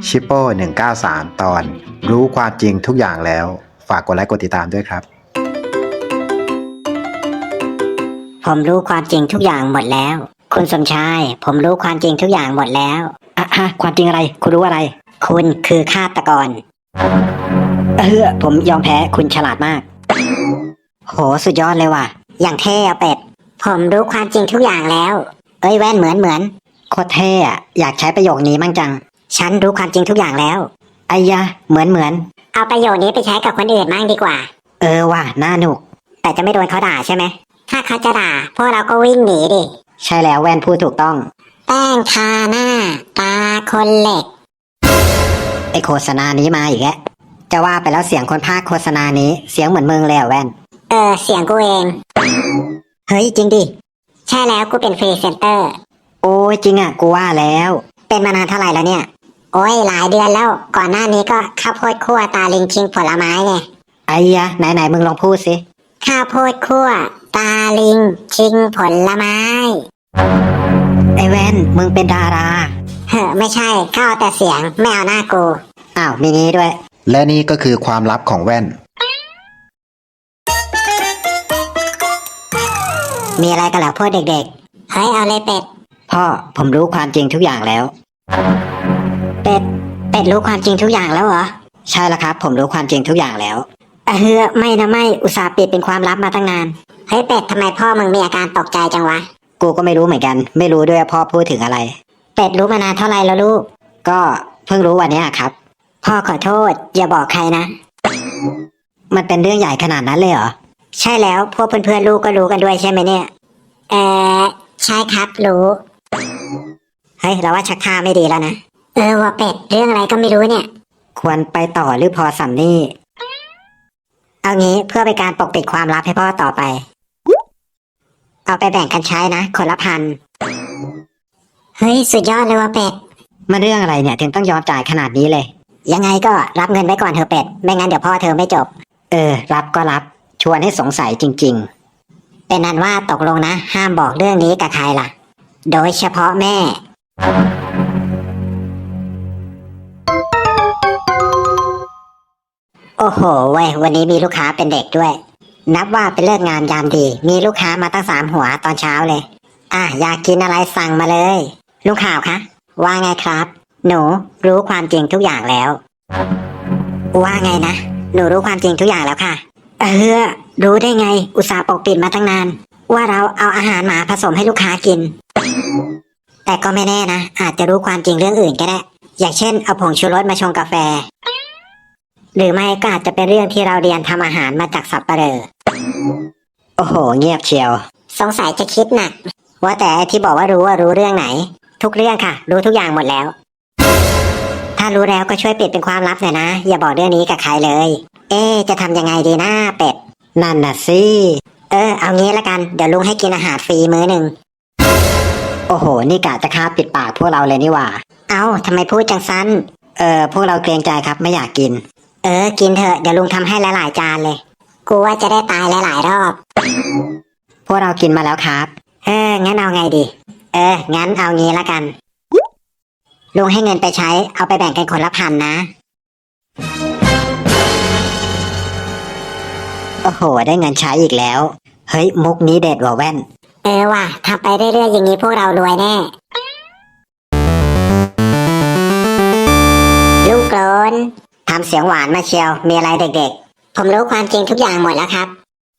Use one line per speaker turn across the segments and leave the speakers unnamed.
ชิปโป้193 ตอนรู้ความจริงทุกอย่างแล้วฝากกดไลค์กดติดตามด้วยครับ
ผมรู้ความจริงทุกอย่างหมดแล้วคุณสมชายผมรู้ความจริงทุกอย่างหมดแล้วความจริงอะไรคุณรู้อะไรคุณคือฆาตกรผมยอมแพ้คุณฉลาดมากโหสุดยอดเลยว่ะอย่างเท่อะเป็ดผมรู้ความจริงทุกอย่างแล้วแว่นเหมือนโคตรเท่อะอยากใช้ประโยคนี้มั่งจังฉันรู้ความจริงทุกอย่างแล้วไอ้ยะเหมือนเอาประโยคนี้ไปใช้กับคนอื่นมั่งดีกว่าว่ะน่าหนุกแต่จะไม่โดนเขาด่าใช่ไหมถ้าเขาจะด่าพวกเราก็วิ่งหนีดิใช่แล้วแว่นพูดถูกต้องแป้งทาหน้าตาคนเหล็กไอโฆษณานี้มาอีกแล้วจะว่าไปแล้วเสียงคนพากย์โฆษณานี้เสียงเหมือนมึงเลยแว่นเสียงกูเองเฮ้ยจริงดิใช่แล้วกูเป็นฟรีเซนเตอร์โอ้ยจริงอ่ะกูว่าแล้วเป็นมานานเท่าไหร่แล้วเนี่ยโอ้ยหลายเดือนแล้วก่อนหน้านี้ก็ข้าวโพดคั่วตาลิงชิงผลไม้ไงไอ้ยะไหนมึงลองพูดสิข้าวโพดคั่วตาลิงชิงผลไม้ไอ้แว่นมึงเป็นดาราไม่ใช่เข้าแต่เสียงไม่เอาหน้ากูอ้าวมีนี้ด้วย
และนี่ก็คือความลับของแว่น
มีอะไรกันเหรอพวกเด็กๆเฮ้ยเอาเลยเป็ดพ่อผมรู้ความจริงทุกอย่างแล้วเป็ดรู้ความจริงทุกอย่างแล้วเหรอใช่แล้วครับผมรู้ความจริงทุกอย่างแล้วไม่อุตส่าห์ปิดเป็นความลับมาตั้งนานเฮ้ยเป็ดทำไมพ่อมึงมีอาการตกใจจังวะกูก็ไม่รู้เหมือนกันไม่รู้ด้วยพ่อพูดถึงอะไรเป็ดรู้มานานเท่าไหร่แล้วลูกก็เพิ่งรู้วันนี้ครับพ่อขอโทษอย่าบอกใครนะมันเป็นเรื่องใหญ่ขนาดนั้นเลยเหรอใช่แล้วพวกเพื่อนๆลูกก็รู้กันด้วยใช่ไหมเนี่ยใช่ครับรู้เฮ้ยเราว่าชักท่าไม่ดีแล้วนะว่าเป็ดเรื่องอะไรก็ไม่รู้เนี่ยควรไปต่อหรือพอสำนี่เอางี้เพื่อเป็นการปกปิดความลับให้พ่อต่อไปเอาไปแบ่งกันใช้นะคนละ1,000เฮ้ยสุดยอดเลยว่ะเป็ดมันเรื่องอะไรเนี่ยถึงต้องยอมจ่ายขนาดนี้เลยยังไงก็รับเงินไว้ก่อนเถอะเป็ดไม่งั้นเดี๋ยวพ่อเธอไม่จบรับก็รับชวนให้สงสัยจริงๆเป็นนั้นว่าตกลงนะห้ามบอกเรื่องนี้กับใครล่ะโดยเฉพาะแม่โอ้โหเว้ยวันนี้มีลูกค้าเป็นเด็กด้วยนับว่าเป็นเลิกงานยามดีมีลูกค้ามาตั้ง3 หัวตอนเช้าเลยอยากกินอะไรสั่งมาเลยลุงข่าวคะว่าไงครับหนูรู้ความจริงทุกอย่างแล้วว่าไงนะหนูรู้ความจริงทุกอย่างแล้วค่ะรู้ได้ไงอุตส่าห์ปกปิดมาตั้งนานว่าเราเอาอาหารหมาผสมให้ลูกค้ากินแต่ก็ไม่แน่นะอาจจะรู้ความจริงเรื่องอื่นก็ได้อย่างเช่นเอาผงชูรสมาชงกาแฟหรือไม่ก็อาจจะเป็นเรื่องที่เราเรียนทำอาหารมาจากสับปะเหร่อโอ้โหเงียบเชียวสงสัยจะคิดหนักว่าแต่ที่บอกว่ารู้เรื่องไหนทุกเรื่องค่ะรู้ทุกอย่างหมดแล้วถ้ารู้แล้วก็ช่วยปิดเป็นความลับหน่อยนะอย่าบอกเรื่องนี้กับใครเลยจะทำยังไงดีนะเป็ดนั่นน่ะสิเอางี้ละกันเดี๋ยวลุงให้กินอาหารฟรีมื้อหนึ่งโอ้โหนี่กะจะฆ่าปิดปากพวกเราเลยนี่หว่าทำไมพูดจังซั้นพวกเราเกรงใจครับไม่อยากกินกินเถอะเดี๋ยวลุงทำให้หลายๆจานเลยกูว่าจะได้ตายหลายๆรอบพวกเรากินมาแล้วครับงั้นเอาไงดีงั้นเอางี้ละกันลุงให้เงินไปใช้เอาไปแบ่งกันคนละ1,000นะโอ้โหได้เงินใช้อีกแล้วเฮ้ยมุกนี้เด็ดว่ะแว่นว่ะทำไปเรื่อยๆอย่างนี้พวกเรารวยแน่ลูกโกรนทำเสียงหวานมาเชียวมีอะไรเด็กๆผมรู้ความจริงทุกอย่างหมดแล้วครับ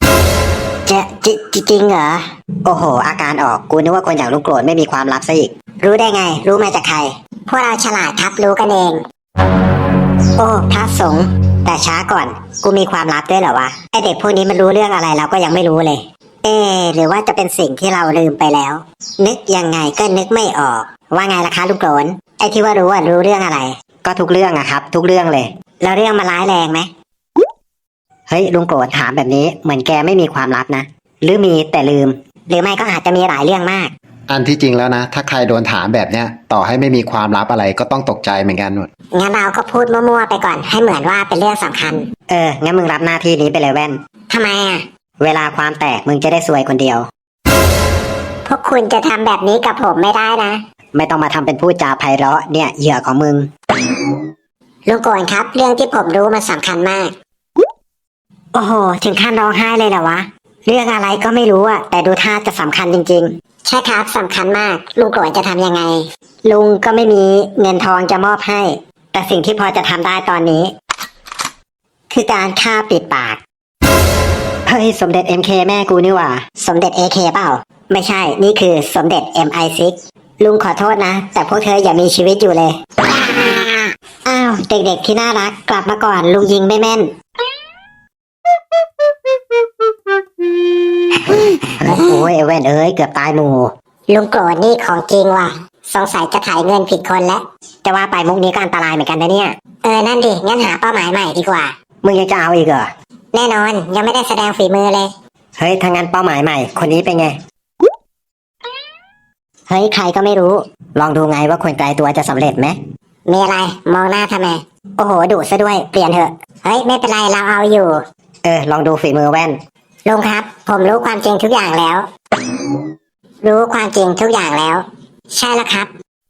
จริงเหรอโอ้โหอาการออกกูนึกว่าคนอย่างลูกโกรนไม่มีความลับซะอีกรู้ได้ไงรู้มาจากใครพวกเราฉลาดครับรู้กันเองโอ้พระสงฆ์แต่ช้าก่อนกูมีความลับด้วยเหรอวะไอเด็กพวกนี้มันรู้เรื่องอะไรเราก็ยังไม่รู้เลยหรือว่าจะเป็นสิ่งที่เราลืมไปแล้วนึกยังไงก็นึกไม่ออกว่าไงล่ะคะลูกโกรนไอที่ว่ารู้เรื่องอะไรก็ทุกเรื่องอะครับทุกเรื่องเลยแล้วเรื่องมันร้ายแรงไหมเฮ้ยลุงโกรธถามแบบนี้เหมือนแกไม่มีความลับนะหรือมีแต่ลืมหรือไม่ก็อาจจะมีหลายเรื่องมาก
อันที่จริงแล้วนะถ้าใครโดนถามแบบเนี้ยต่อให้ไม่มีความลับอะไรก็ต้องตกใจเหมือนกันหมด
งั้นเราก็พูดมั่วๆไปก่อนให้เหมือนว่าเป็นเรื่องสำคัญงั้นมึงรับหน้าที่นี้ไปเลยแว่นทำไมเวลาความแตกมึงจะได้ซวยคนเดียวพวกคุณจะทำแบบนี้กับผมไม่ได้นะไม่ต้องมาทำเป็นพูดจาไพเราะเนี่ยเหยื่อของมึงลุงโกนครับ เรื่องที่ผมรู้มันสำคัญมาก โอ้โห ถึงขั้นร้องไห้เลยเหรอวะ เรื่องอะไรก็ไม่รู้อะแต่ดูท่าจะสำคัญจริงๆ ใช่ครับสำคัญมาก ลุงโกนจะทำยังไง ลุงก็ไม่มีเงินทองจะมอบให้ แต่สิ่งที่พอจะทำได้ตอนนี้ คือการฆ่าปิดปาก เฮ้ยสมเด็จ MK แม่กูนี่หว่า สมเด็จ AK เปล่า ไม่ใช่ นี่คือสมเด็จ MI6 ลุงขอโทษนะ แต่พวกเธออย่ามีชีวิตอยู่เลย อ้าว เด็กๆที่น่ารักกลับมาก่อนลุงยิงไม่แม่น โอ้ยเว้นเอ้ยเกือบตายหมู่ลุงโกรธนี่ของจริงว่ะ สงสัยจะถ่ายเงินผิดคนแล้วจะว่าไปมุกนี้ก็อันตรายเหมือนกันนะเนี่ย นั่นดิ งั้นหาเป้าหมายใหม่ดีกว่า มึงยังจะเอาอีกเหรอ แน่นอนยังไม่ได้แสดงฝีมือเลย เฮ้ยถ้างั้นเป้าหมายใหม่ คนนี้เป็นไง เฮ้ยใครก็ไม่รู้ ลองดูไงว่าคนไกลตัวจะสำเร็จไหม มีอะไร มองหน้าทำไม โอ้โหดุซะด้วย เปลี่ยนเถอะ เฮ้ยไม่เป็นไรเราเอาอยู่ ลองดูฝีมือแว่น ลุงครับ ผมรู้ความจริงทุกอย่างแล้ว รู้ความจริงทุกอย่างแล้ว ใช่แล้วครับ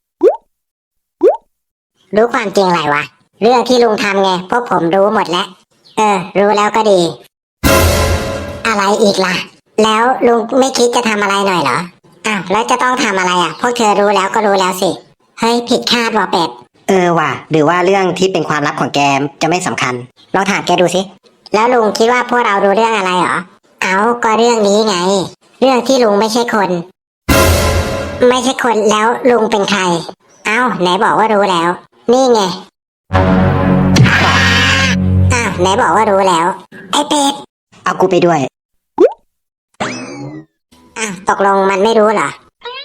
รู้ความจริงอะไรวะ เรื่องที่ลุงทำไงพวกผมรู้หมดแล้ว รู้แล้วก็ดี อะไรอีกล่ะ แล้วลุงไม่คิดจะทำอะไรหน่อยเหรอ อ้าวแล้วจะต้องทำอะไรอ่ะ พวกเธอรู้แล้วก็รู้แล้วสิ เฮ้ยผิดคาดว่ะเป็ด ว่ะหรือว่าเรื่องที่เป็นความลับของแกจะไม่สำคัญ ลองถามแกดูสิ แล้วลุงคิดว่าพวกเรารู้เรื่องอะไรเหรอ เอาก็เรื่องนี้ไง เรื่องที่ลุงไม่ใช่คน ไม่ใช่คนแล้วลุงเป็นใคร เอาไหนบอกว่ารู้แล้ว นี่ไง อ้าวไหนบอกว่ารู้แล้ว ไอ้เป็ด เอากูไปด้วย อ้าวตกลงมันไม่รู้เหรอ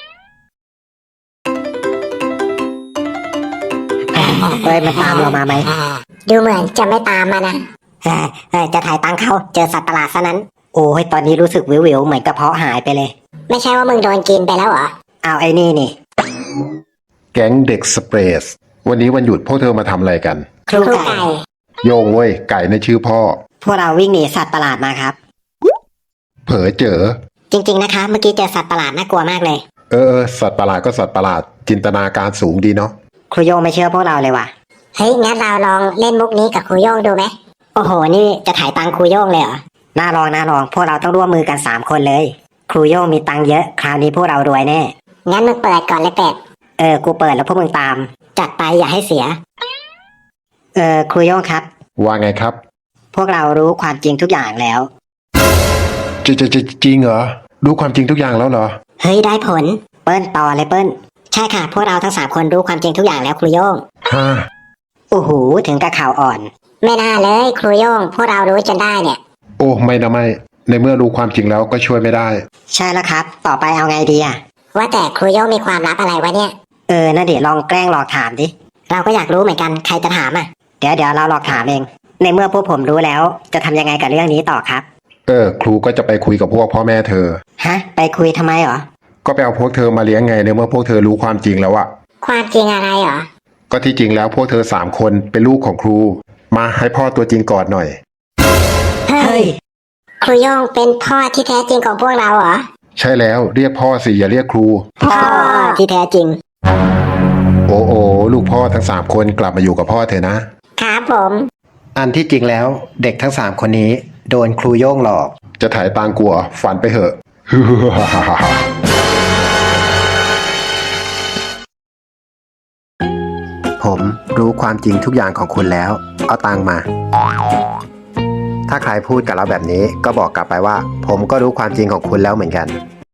เฮ้ยมันตามเรามาไหม ดูเหมือนจะไม่ตามมานะจะถ่ายตังเขาเจอสัตว์ประหลาดซะนั้น โอ้ยตอนนี้รู้สึกวิวๆเหมือนกระเพาะหายไปเลย ไม่ใช่ว่ามึงโดนกินไปแล้วเหรอเอาไอ้นี่
แก๊งเด็กสเปรสวันนี้วันหยุดพวกเธอมาทำอะไรกัน
ครูไก่
โยงเว้ยไก่ในชื่อพ่อ
พวกเราวิ่งหนีสัตว์ประหลาดมาครับ
เผลอเจอ
จริงๆนะคะ เมื่อกี้เจอสัตว์ประหลาดน่ากลัวมากเลย
สัตว์ประหลาดก็สัตว์ประหลาดจินตนาการสูงดีเนาะ
ครูโยงไม่เชื่อพวกเราเลยว่ะ เฮ้ยงั้นเราลองเล่นมุกนี้กับครูโยงดูไหมโอ้โหนี่จะถ่ายตังครูโยงเลยเหรอน่าลองพวกเราต้องร่วมมือกัน3คนเลย ครูโยงมีตังเยอะคราวนี้พวกเรารวยแน่งั้นมึงเปิดก่อนเลยเป็ดกูเปิดแล้วพวกมึงตามจัดไปอย่าให้เสียครูโยงครับ
ว่าไงครับ
พวกเรารู้ความจริงทุกอย่างแล้ว
จริงเหรอรู้ความจริงทุกอย่างแล้วเหรอ
เฮ้ยได้ผลเปิ้ลต่อเลยเปิ้ลใช่ค่ะพวกเราทั้ง3คนรู้ความจริงทุกอย่างแล้วครูโยง
ฮะ
โอ้โหถึงกับข่าวอ่อน ไม่น่าเลยครูโยงพวกเรารู้จนได้เนี่ย
โอ้ไม่นะไม่ในเมื่อรู้ความจริงแล้วก็ช่วยไม่ได้
ใช่แล้วครับ ต่อไปเอาไงดีอะว่าแต่ครูโยงมีความลับอะไรวะเนี่ยน่าเดี๋ยวลองแกล้งหลอกถามดิเราก็อยากรู้เหมือนกันใครจะถามอะเดี๋ยวเราหลอกถามเองในเมื่อพวกผมรู้แล้วจะทำยังไงกับเรื่องนี้ต่อครับ
ครูก็จะไปคุยกับพวกพ่อแม่เธอ
ฮะไปคุยทำไมเหรอ
ก็ไปเอาพวกเธอมาเลี้ยงไงในเมื่อพวกเธอรู้ความจริงแล้วอะ
ความจริงอะไรเหรอ
ก็ที่จริงแล้วพวกเธอ3คนเป็นลูกของครูมาให้พ่อตัวจริงกอดหน่อย
เฮ้ยครูโยงเป็นพ่อที่แท้จริงของพวกเราเหรอ
ใช่แล้วเรียกพ่อสิอย่าเรียกครู
พ่อที่แท้จริง
โอ้ลูกพ่อทั้ง3คนกลับมาอยู่กับพ่อเถอะนะ
ครับผม
อันที่จริงแล้วเด็กทั้ง3คนนี้โดนครูโย่งหลอก
จะถ่ายตังกลัวฝันไปเหอะ
ผมรู้ความจริงทุกอย่างของคุณแล้ว เอาตังค์มา ถ้าใครพูดกับเราแบบนี้ก็บอกกลับไปว่า ผมก็รู้ความจริงของคุณแล้วเหมือนกัน